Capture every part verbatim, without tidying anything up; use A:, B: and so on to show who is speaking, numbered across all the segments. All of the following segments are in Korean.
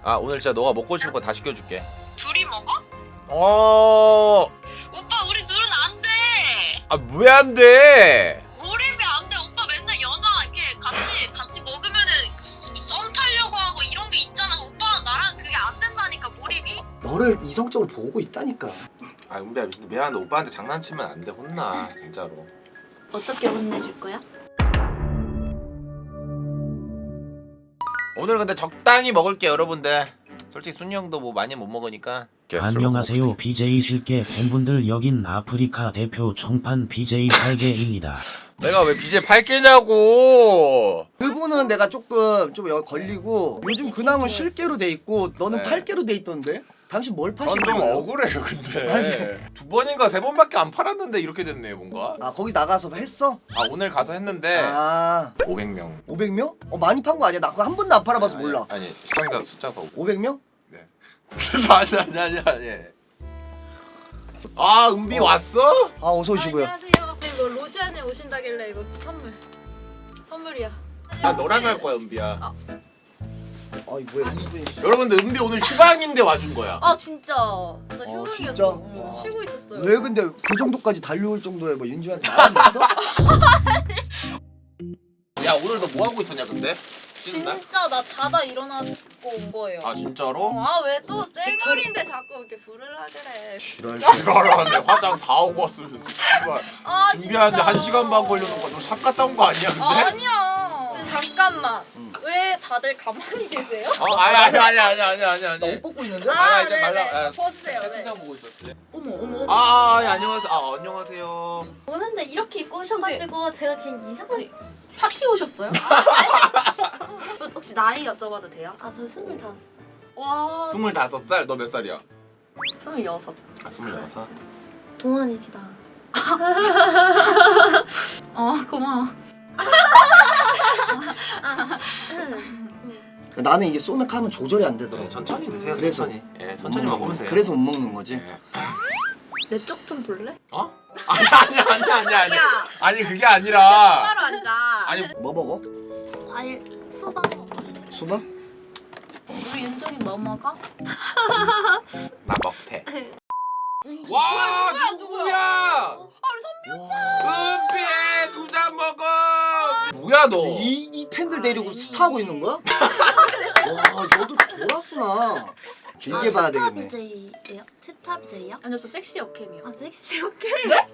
A: 아 오늘 진짜 너가 먹고 싶은 거 다 시켜줄게.
B: 둘이 먹어?
A: 어.
B: 오빠 우리 둘은 안 돼.
A: 아 왜 안 돼?
B: 몰입이 안 돼. 오빠 맨날 여자 이렇게 같이 같이 먹으면은 썸 타려고 하고 이런 게 있잖아. 오빠랑 나랑 그게 안 된다니까 몰입이.
C: 너를 이성적으로 보고 있다니까.
A: 아 은비야 미안한데 오빠한테 장난치면 안 돼. 혼나 진짜로.
D: 어떻게 혼내줄 거야?
A: 오늘 근데 적당히 먹을게 여러분들. 솔직히 순이 형도 뭐 많이 못 먹으니까.
E: 안녕하세요 비제이 실게 팬분들, 여긴 아프리카 대표 청판 비제이 팔개입니다.
A: 내가 왜 비제 팔 개냐고.
C: 그분은 내가 조금 좀 여- 걸리고 요즘 근황은 실개로 돼 있고 너는
A: 네.
C: 팔개로 돼 있던데? 당신 뭘 파시는
A: 전 좀
C: 거예요?
A: 억울해요 근데. 두 번인가 세 번밖에 안 팔았는데 이렇게 됐네 뭔가.
C: 아 거기 나가서 했어?
A: 아 오늘 가서 했는데
C: 아
A: 오백 명.
C: 오백 명? 어 많이 판 거 아니야? 나 그거 한 번도 안 팔아봐서
A: 아니,
C: 몰라.
A: 아니 시청자 숫자가 오백.
C: 오백 명?
A: 네. 아니 아니 아니 아니. 아 은비 왔어?
C: 아 어서 오시고요.
D: 안녕하세요. 네, 이거 로시안에 오신다길래 이거 선물. 선물이야.
A: 나 너랑 갈 거야 은비야.
C: 아이 뭐야 이분이.
A: 여러분들 은비 오늘 휴방인데 와준 거야.
D: 아 진짜. 나
C: 어,
D: 휴방이었어.
C: 진짜?
D: 응,
C: 와.
D: 쉬고 있었어요.
C: 왜 근데 그 정도까지 달려올 정도의 뭐 윤주한테 말안 했어?
A: 야 오늘 너 뭐 하고 있었냐 근데? 쉬는 날?
D: 진짜 나 자다 일어나고 온 거예요.
A: 아 진짜로?
D: 아 왜 또 쌩얼인데 자꾸 이렇게 부르려 그래.
C: 지랄.
A: 지랄하네. 화장 다 하고 왔으면서 씨발.
D: 아
A: 준비하는데
D: 진짜.
A: 한 시간 반 걸려는 거. 너 샵 갔다 온 거 아니야 근데?
D: 아니야. 근데 잠깐만. 왜 다들 가만히 계세요?
A: 어 아니 아니 아니 아니 아니 아니 아니.
C: 나옷 벗고 있는데?
A: 아,
D: 아
A: 이제
D: 네네.
A: 말라. 아,
D: 벗으세요. 네.
A: 채팅창 보고 있었지.
D: 어머 어머.
A: 아, 아, 아 예, 안녕하세요. 아 안녕하세요.
F: 오는데 이렇게 입고 오셔가지고 제가 괜히 이상한.
D: 파티 오셨어요? 혹시 나이 여쭤봐도 돼요?
F: 아 저 스물다섯 살.
D: 와.
A: 스물다섯 살. 너 몇 살이야?
D: 스물여섯.
A: 아 스물여섯.
F: 동안이지 나.
D: 어 고마워.
C: 나는 이게 소맥 하면 조절이 안 되더라고.
A: 네, 천천히 드세요.
C: 그래서.
A: 천천히. 예, 천천히
C: 못
A: 먹으면
C: 먹는-
A: 돼요.
C: 그래서 못 먹는 거지.
A: 예.
D: 내 쪽 좀 볼래?
A: 어? 아니 아니 아니 아니 아니.
D: 야.
A: 아니 그게 아니라.
D: 바로 앉아.
A: 아니
C: 뭐 먹어?
F: 과일 수박 먹어.
C: 수박?
D: 우리 윤종이 뭐 먹어?
A: 나 먹태. 와 누구야? 은비 두 잔 먹어. 뭐야 너?
C: 이, 이 팬들 데리고 스타하고 있는 거야? 와 너도 돌았구나. 길게 봐야
F: 스타
C: 되겠네.
F: 비제이예요? 스타 비제이요?
D: 아니요 저 섹시 역캠이요.
F: 아 섹시 오케이.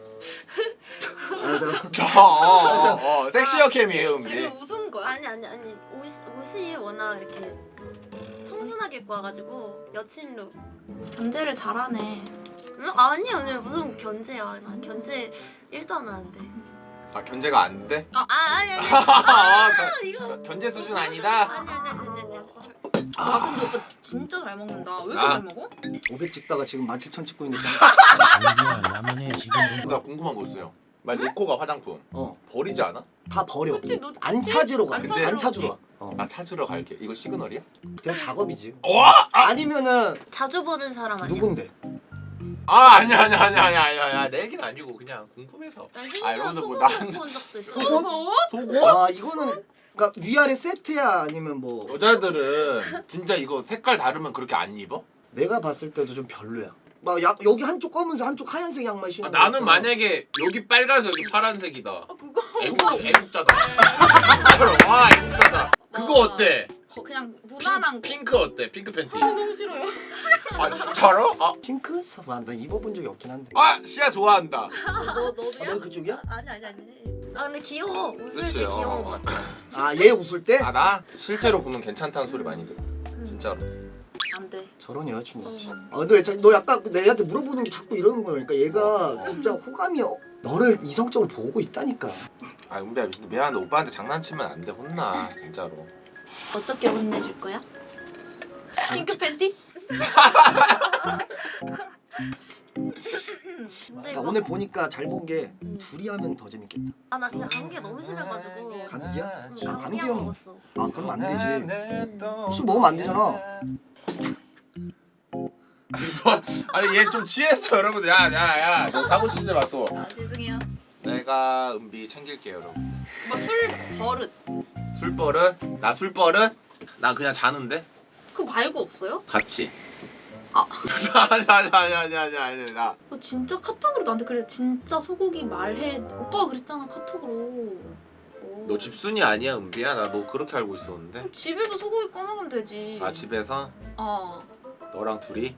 C: 아, 내가-
A: 어, 어, 어, 어. 섹시어 캠이에요 은비.
D: 지금 웃은 거야?
F: 아니 아니 아니 옷 옷이 워낙 이렇게 청순하게 입고 와가지고 여친 룩.
D: 견제를 잘하네.
F: 응? 아니 아니 무슨 견제야? 난 견제 일도 안 하는데.
A: 아 견제가 안 돼?
F: 아 아니 아니.
A: 아,
F: 이거.
A: 견- 견제 수준 아니다.
F: 아니 아니 아니 아니. 아니.
D: 아 근데 오빠 진짜 잘 먹는다. 왜 이렇게
A: 아.
D: 잘 먹어?
C: 오백 찍다가 지금 만 칠천 찍고 있는데.
E: 은비야 라면에 지금
A: 나 궁금한 거 있어요. 만약 니코가 화장품
C: 어,
A: 버리지 않아?
C: 다 버려.
D: 그치, 너
C: 안 찾으러 가.
D: 안
A: 근데-
C: 안 찾으러 와. 어,
A: 나 찾으러 갈게. 이거 시그널이야?
C: 그냥 작업이지.
A: 와!
C: 아니면은
F: 자주 보는 사람 아니야?
C: 누군데?
A: 아 아니야 아니야 아니야 아니야 아니야 아니야 내 얘기는 아니고 그냥 궁금해서.
F: 난
A: 아,
F: 심지어
A: 여러분들 뭐
F: 속옷을
A: 난-
F: 본 적도 있어.
C: 속옷?
A: 속옷?
C: 와 이거는 그러니까 위아래 세트야 아니면 뭐
A: 여자들은 진짜 이거 색깔 다르면 그렇게 안 입어?
C: 내가 봤을 때도 좀 별로야. 막 야, 여기 한쪽 검은색 한쪽 하얀색 양말
A: 아,
C: 신는 거
A: 나는
C: 있잖아.
A: 만약에 여기 빨간색 여기 파란색이다.
D: 아 그거
A: 애국 애국자다. 와 애국자다. 그거 어때?
D: 거, 그냥 무난한 거.
A: 핑크 어때? 핑크 팬티.
D: 아, 너무 싫어요.
A: 아 진짜로? 아,
C: 핑크? 아, 나 입어본 적이 없긴 한데.
A: 아 시아 좋아한다.
D: 너 너도야?
C: 아, 너 그쪽이야?
D: 아니 아니 아니.
F: 아 근데 귀여워. 웃을
A: 그치,
F: 때 귀여운
A: 어.
F: 것 같아.
C: 아 얘 웃을 때?
A: 아 나 실제로 보면 괜찮다는 소리 많이 들어. 진짜로.
D: 안 돼.
C: 저런 여자친구.
F: 어.
C: 아 근데 자- 너 약간 내한테 물어보는 게 자꾸 이러는 거니까 얘가 진짜 호감이 어, 너를 이성적으로 보고 있다니까.
A: 아 은비야 미안한데 오빠한테 장난치면 안 돼. 혼나 진짜로.
D: 어떻게 혼내줄 거야? 핑크 팬티?
F: 근데
C: 나
F: 막-
C: 오늘 보니까 잘 본 게 둘이 하면 더 재밌겠다.
F: 아 나 진짜 감기가 너무 심해가지고.
C: 감기야?
F: 응,
C: 아,
F: 감기약
C: 감기형.
F: 먹었어.
C: 아 그럼 안 되지. 술 먹으면 안 되잖아.
A: 아니 얘 좀 취했어 여러분들. 야야야 너 사고 치지 마 또.
D: 아 죄송해요.
A: 내가 은비 챙길게요 여러분.
D: 뭐 술 버릇.
A: 술 버릇? 나 술 버릇? 나 그냥 자는데?
D: 그거 말고 없어요?
A: 같이.
D: 아.
A: 아니 아니 아니 아니 아니 아니 나.
D: 너 진짜 카톡으로 나한테 그래. 진짜 소고기 말해. 오빠가 그랬잖아 카톡으로. 오.
A: 너 집순이 아니야 은비야? 나 너 그렇게 알고 있었는데.
D: 집에서 소고기 꺼먹으면 되지.
A: 아 집에서
D: 어.
A: 너랑 둘이?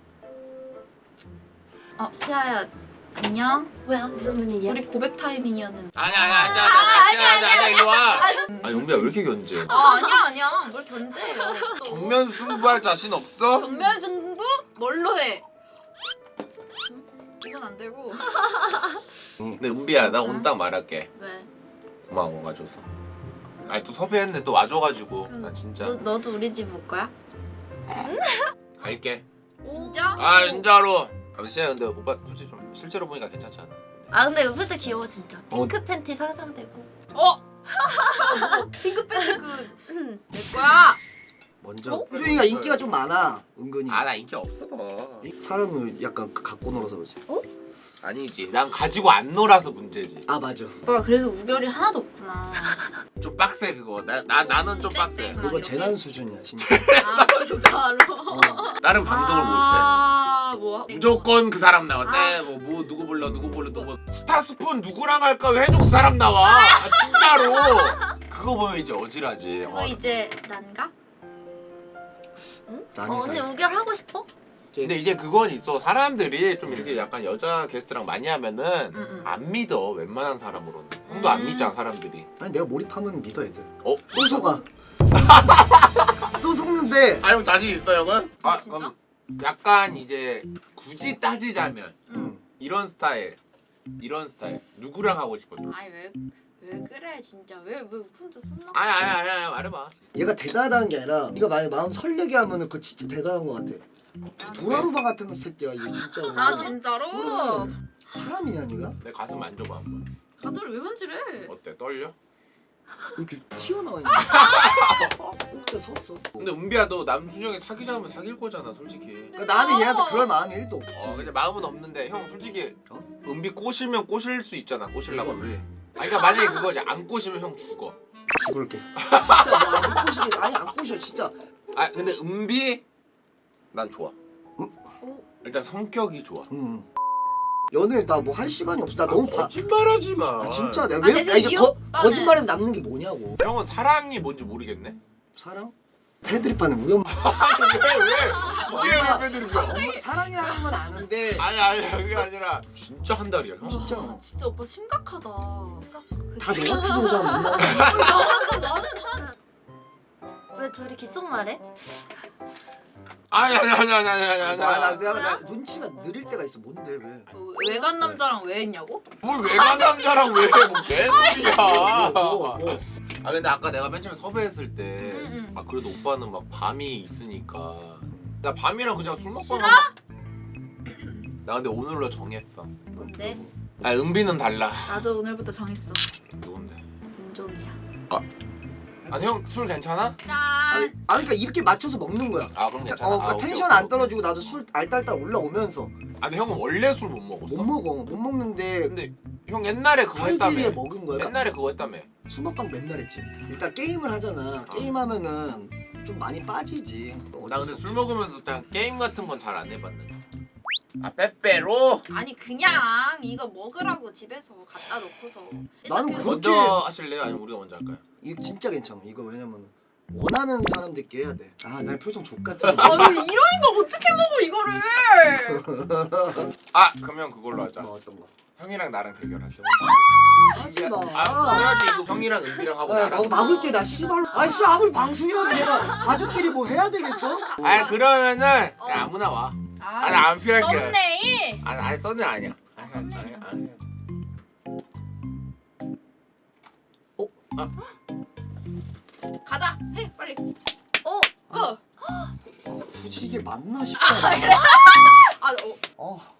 D: 어 시아야 안녕.
F: 뭐야 무슨 분위기야?
D: 우리 고백 타이밍이었는데.
A: 아니 아니 아니 아니 아니 아니 아니 일로 와. 아 은비야 왜 이렇게 견제?
D: 아 아니야 아니야. 뭘 견제해요. 또.
A: 정면 승부할 자신 없어?
D: 정면 승부? 뭘로 해? 응? 이건 안 되고.
A: 근데 은비야 나 오늘 딱 말할게.
D: 왜?
A: 고마워 와줘서. 아니 또 섭외했는데 또 와줘가지고
D: 그럼
A: 나 진짜
F: 너 너도 우리 집 올 거야?
A: 갈게.
D: 진짜?
A: 아 진짜로. 잠시만 근데 오빠 솔직히 좀 실제로 보니까 괜찮지 않아?
F: 아 근데 웃을 때 귀여워 진짜. 핑크 팬티 상상되고.
D: 어? 핑크 팬츠 그내 거야.
C: 먼저
D: 어?
C: 효정이가 인기가 좀 많아 은근히.
A: 아 나 인기 없어.
C: 사람을 약간 갖고 놀아서 그렇지.
A: 아니지 난 가지고 안 놀아서 문제지.
C: 아 맞아.
D: 오빠 그래도 우결이 하나도 없구나.
A: 좀 빡세 그거. 나, 나 나는 좀 빡세.
D: 땡땡.
C: 그거
D: 이렇게?
C: 재난 수준이야 진짜.
D: 아 진짜로?
C: 어.
A: 다른 방송을 못해.
D: 아뭐
A: 무조건 그 사람 나왔대. 뭐, 뭐 누구 불러 누구 불러 누구. 스타스푼 누구랑 할까 왜 해줘 그 사람 나와. 아, 진짜로. 그거 보면 이제 어지라지.
D: 그거
A: 어.
D: 이제 난가?
C: 남이
F: 어 언니
C: 살.
F: 우결 하고 싶어?
A: 근데 이제 그건 있어. 사람들이 좀 이렇게 약간 여자 게스트랑 많이 하면은
D: 응, 응.
A: 안 믿어. 웬만한 사람으로는. 형도 안
D: 음.
A: 믿잖아 사람들이.
C: 아니 내가 몰입하면 믿어 애들.
A: 어?
C: 또 속아. 또 속는데.
A: 아 형 자신 있어 형은? 아
D: 진짜?
A: 그럼 약간 이제 굳이 따지자면
C: 응.
A: 이런 스타일 이런 스타일 누구랑 하고 싶어?
D: 아니 왜 왜 그래 진짜 왜왜 혼자 손 나?
A: 아니 아니 아니 아니 말해봐.
C: 얘가 대단하다는 게 아니라 네가 만약 마음 설레게 하면은 그 진짜 대단한 것 같아. 도라루바 같은 새끼야 이게 진짜로.
D: 아 진짜로?
C: 그래. 사람이냐 네가?
A: 내 가슴 만져봐 한번.
D: 가슴을 왜 만지래?
A: 어때? 떨려?
C: 이렇게 튀어나와 있는. 진짜 섰어.
A: 근데 은비야 너 남순영이 사귀자면 사귈 거잖아 솔직히.
C: 그러니까 나는 얘한테 그럴 마음이 일도 없지.
A: 어 근데 마음은 없는데 형 솔직히
C: 어?
A: 은비 꼬시면 꼬실 수 있잖아
C: 이거
A: 꼬실라고.
C: 왜?
A: 아니 그러니까 만약에 그거지 안 꼬시면 형 죽어.
C: 죽을게. 진짜 나안 꼬시게. 아니 안 꼬셔 진짜.
A: 아 근데 은비 난 좋아.
C: 응?
A: 일단 성격이 좋아.
C: 응. 연애를 나 뭐 할 시간이 없어. 나 너무 바.
A: 거짓말하지 마.
C: 아 진짜 내가
D: 아,
C: 왜
D: 대신
C: 아, 이게
D: 이
C: 거,
D: 오빠는-
C: 거짓말에서 남는 게 뭐냐고.
A: 형은 사랑이 뭔지 모르겠네.
C: 사랑? 패드립하는 우리 엄마.
A: 왜 왜? 이게 왜 빼드립이야?
C: 엄마 사랑이라는 건 아는데.
A: 아니 아니 그게 아니라 진짜 한 달이야 형.
C: 진짜.
D: 아, 진짜 오빠 심각하다.
C: 다 너 같은 여자 만나는
D: 나는 나는 한
F: 왜 둘이 귓속말해?
A: 아니 아니 아니 아니 아니 아니 아니.
C: 아, 나, 내가 나 눈치가 느릴 때가 있어. 뭔데 왜?
D: 뭐, 외간 남자랑 왜 했냐고?
A: 뭘 외간 남자랑 왜 해? 뭐 개소리야.
C: 뭐, 뭐.
A: 아 근데 아까 내가 맨 처음에 섭외했을 때
D: 응, 응.
A: 아 그래도 오빠는 막 밤이 있으니까 나 밤이랑 그냥 술 먹고
D: 싫어?
A: 나 근데 오늘로 정했어.
F: 뭔데?
A: 아 은비는 달라.
D: 나도 오늘부터 정했어.
A: 누군데?
F: 윤종이야.
A: 아니 형 술 괜찮아?
D: 짠.
C: 아니, 아 그러니까 이렇게 맞춰서 먹는 거야.
A: 아 그럼
C: 자,
A: 괜찮아.
C: 어,
A: 아,
C: 그러니까
A: 오케이,
C: 텐션
A: 오케이,
C: 안 떨어지고 나도 술 알딸딸 올라오면서
A: 아니 형은 원래 술 못 먹었어?
C: 못 먹어. 못 먹는데
A: 근데 형 옛날에 그거 했다며.
C: 살기위해 먹은 거야. 그러니까
A: 옛날에 그거 했다며.
C: 술 먹방 맨날 했지. 일단 게임을 하잖아. 게임하면은 좀 많이 빠지지.
A: 나 근데 술 먹으면서 그냥 게임 같은 건 잘 안 해봤는데. 아 빼빼로?
D: 아니 그냥 이거 먹으라고 집에서 갖다 놓고서.
C: 나는
D: 그-
C: 그거-
A: 먼저
C: 그렇게-
A: 하실래요? 아니면 우리가 먼저 할까요?
C: 이거 진짜 괜찮아. 이거 왜냐면 원하는 사람들께 해야 돼. 아, 날 표정 족같아.
D: 아니 이런 거 어떻게 먹어 이거를?
A: 아 그러면 그걸로 하자.
C: 뭐 어떤 거?
A: 형이랑 나랑 대결하자.
C: 하지 마.
A: 아 해야지 이거 형이랑 은비랑 하고
C: 아,
A: 나랑.
C: 막 막을게 나 씨발. 아, 씨 아무리 방송이라도 내가 가족끼리 뭐 해야 되겠어?
A: 아 그러면은
D: 어.
A: 그냥 아무나 와.
D: 아,
A: 아니 안 필요할게.
D: 썸네일.
A: 아니 아니 썬네 아니야. 아니 아니 아니. 아니.
D: 가자. 해 빨리.
F: 어?
D: 고.
C: 굳이 이게 맞나 싶다.
D: 아 어.
C: 어.